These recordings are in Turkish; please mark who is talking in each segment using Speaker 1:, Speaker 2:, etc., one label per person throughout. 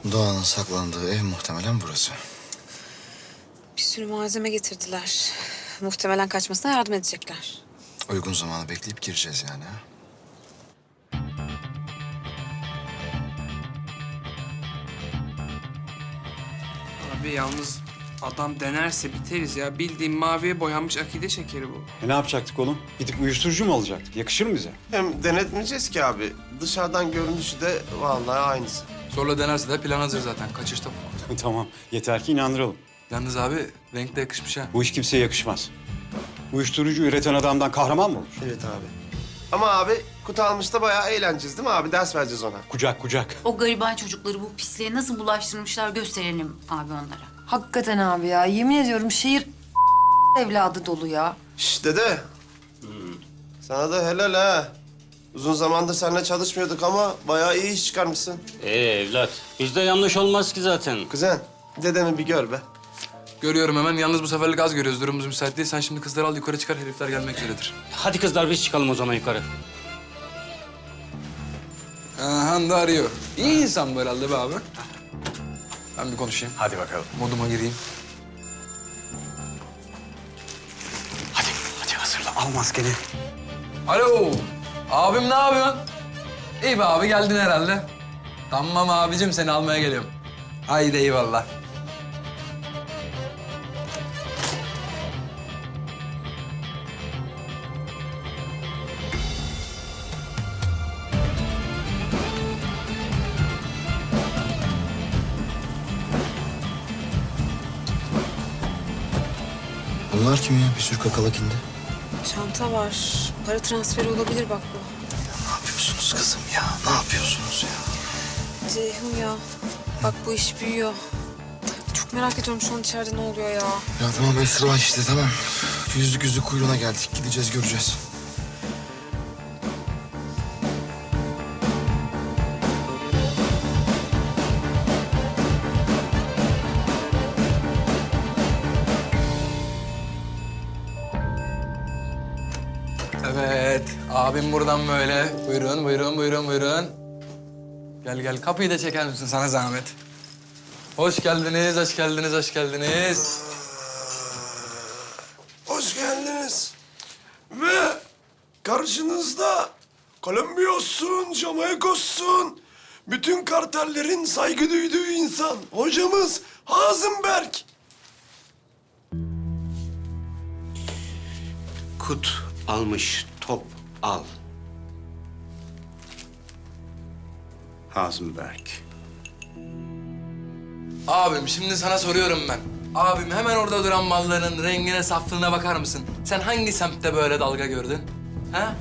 Speaker 1: Doğan'ın saklandığı ev muhtemelen burası.
Speaker 2: Bir sürü malzeme getirdiler. Muhtemelen kaçmasına yardım edecekler.
Speaker 1: Uygun zamanı bekleyip gireceğiz yani. Ha?
Speaker 3: Abi yalnız adam denerse biteriz ya. Bildiğin maviye boyanmış akide şekeri bu.
Speaker 4: Ne yapacaktık oğlum? Gidip uyuşturucu mu alacaktık? Yakışır mı bize?
Speaker 5: Hem denetmeyeceğiz ki abi. Dışarıdan görünüşü de vallahi aynısı.
Speaker 6: Zorla denerse de plan hazır zaten. Kaçış topuk.
Speaker 4: Tamam. Yeter ki inandıralım.
Speaker 6: Yalnız abi renk de yakışmış ha.
Speaker 4: Bu iş kimseye yakışmaz. Uyuşturucu üreten adamdan kahraman mı olur?
Speaker 5: Evet abi. Ama abi kutu almışta bayağı eğleneceğiz değil mi abi? Ders vereceğiz ona.
Speaker 4: Kucak kucak.
Speaker 7: O gariban çocukları bu pisliğe nasıl bulaştırmışlar gösterelim abi onlara.
Speaker 8: Hakikaten abi ya. Yemin ediyorum şehir evladı dolu ya.
Speaker 5: Şş dede. Sana da helal ha. Uzun zamandır seninle çalışmıyorduk ama bayağı iyi iş çıkarmışsın.
Speaker 9: Evlat, bizde yanlış olmaz ki zaten.
Speaker 5: Kuzen, dedemi bir gör be.
Speaker 6: Görüyorum hemen. Yalnız bu seferlik az görüyoruz. Durumumuz müsait değil. Sen şimdi kızları al yukarı çıkar. Herifler gelmek üzeredir.
Speaker 9: Hadi kızlar biz çıkalım o zaman yukarı.
Speaker 6: Han da arıyor. İyi insan bu herhalde be abi. Ben bir konuşayım.
Speaker 4: Hadi bakalım.
Speaker 6: Moduma gireyim.
Speaker 4: Hadi hazırla. Al maskeni.
Speaker 6: Alo. Abim ne yapıyorsun? İyi be abi geldin herhalde. Tamam abicim seni almaya geliyorum. Haydi eyvallah.
Speaker 1: Bunlar kim ya? Bir sürü kakalak indi.
Speaker 2: Çanta var. Para transferi olabilir bak bu.
Speaker 1: Ne yapıyorsunuz kızım ya? Ne yapıyorsunuz ya?
Speaker 2: Ceyhun ya. Bak bu iş büyüyor. Çok merak ediyorum şu an içeride ne oluyor ya.
Speaker 1: Ya tamam Esra işte tamam. Yüzlük yüzlük kuyruğuna geldik. Gideceğiz göreceğiz.
Speaker 6: Evet. Abim buradan böyle. Buyurun, buyurun, buyurun, buyurun. Gel gel. Kapıyı da çeker misin sana zahmet? Hoş geldiniz, hoş geldiniz, hoş geldiniz.
Speaker 5: Hoş geldiniz. Ve karşınızda Kolombiyos'un, Jamaikos'un, bütün kartellerin saygı duyduğu insan. Hocamız Hazım Berk.
Speaker 10: Kut almış, top al.
Speaker 4: Hazım Berk.
Speaker 6: Abim şimdi sana soruyorum ben. Abim hemen orada duran malların rengine, saflığına bakar mısın? Sen hangi semtte böyle dalga gördün? Ha?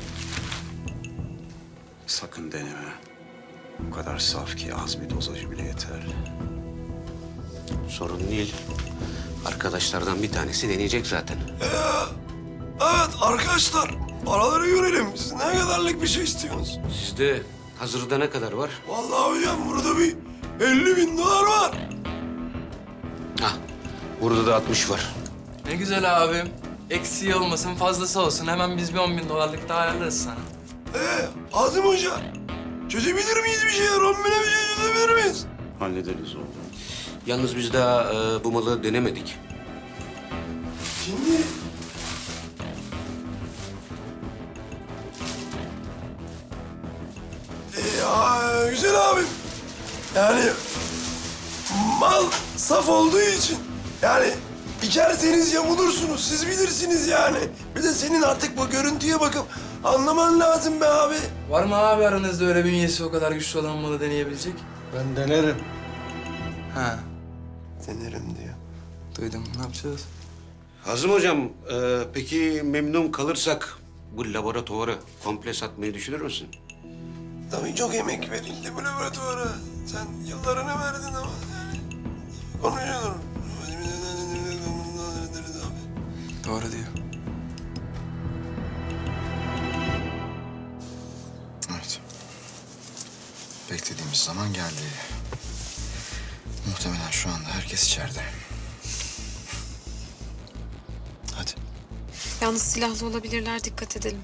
Speaker 4: Sakın deneme. O kadar saf ki az bir dozajı bile yeterli.
Speaker 10: Sorun değil. Arkadaşlardan bir tanesi deneyecek zaten.
Speaker 5: Evet arkadaşlar, paraları görelim. Siz ne kadarlık bir şey istiyorsunuz?
Speaker 10: Sizde hazırda ne kadar var?
Speaker 5: Vallahi hocam burada bir 50.000 dolar var.
Speaker 10: Hah, burada da 60 var.
Speaker 6: Ne güzel abim. Eksiği olmasın, fazlası olsun. Hemen biz bir 10.000 dolarlık daha ayarlarız sana.
Speaker 5: Hazım Hoca, çözebilir miyiz bir şeyler? 10.000'e bir şey çözebilir miyiz?
Speaker 4: Hallederiz oğlum.
Speaker 10: Yalnız biz daha bu malı denemedik.
Speaker 5: Şimdi... güzel abim. Yani mal saf olduğu için yani içerseniz yamulursunuz. Siz bilirsiniz yani. Bir de senin artık bu görüntüye bakıp anlaman lazım be abi.
Speaker 6: Var mı abi aranızda öyle bünyesi o kadar güçlü olan malı deneyebilecek?
Speaker 5: Ben denerim.
Speaker 6: Ha,
Speaker 5: Denerim diyor.
Speaker 6: duydum. Ne yapacağız?
Speaker 10: Hazım hocam, peki memnun kalırsak bu laboratuvarı komple satmayı düşünür müsün?
Speaker 5: Tabii çok emek verildi bu laboratuvara. Sen yıllarını verdin ama yani konuşuyorum.
Speaker 6: Doğru diyor.
Speaker 1: Evet. Beklediğimiz zaman geldi. Muhtemelen şu anda herkes içeride. Hadi.
Speaker 2: Yalnız silahlı olabilirler, dikkat edelim.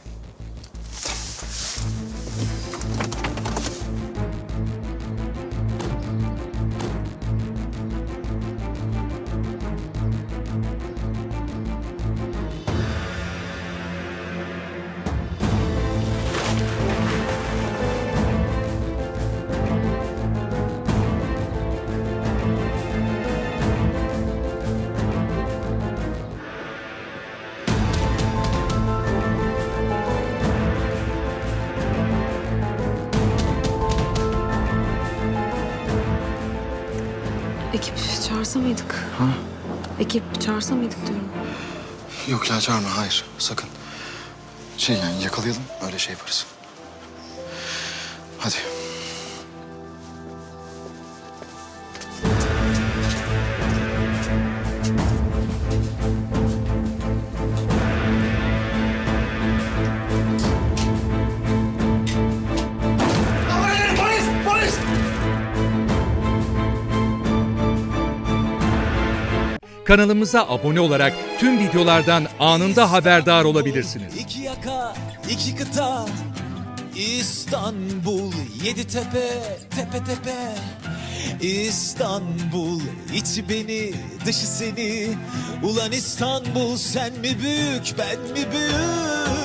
Speaker 2: Ekip çağırsa mıydık?
Speaker 1: Ha?
Speaker 2: Ekip çağırsa mıydık diyorum.
Speaker 1: Yok ya çağırma, hayır sakın. Yani yakalayalım, öyle şey yaparız. Hadi.
Speaker 11: Kanalımıza abone olarak tüm videolardan anında haberdar olabilirsiniz.
Speaker 12: İki yaka, iki kıta, İstanbul, yedi tepe, tepe tepe. İstanbul, içi beni, dışı seni. Ulan İstanbul, sen mi büyük, ben mi büyük?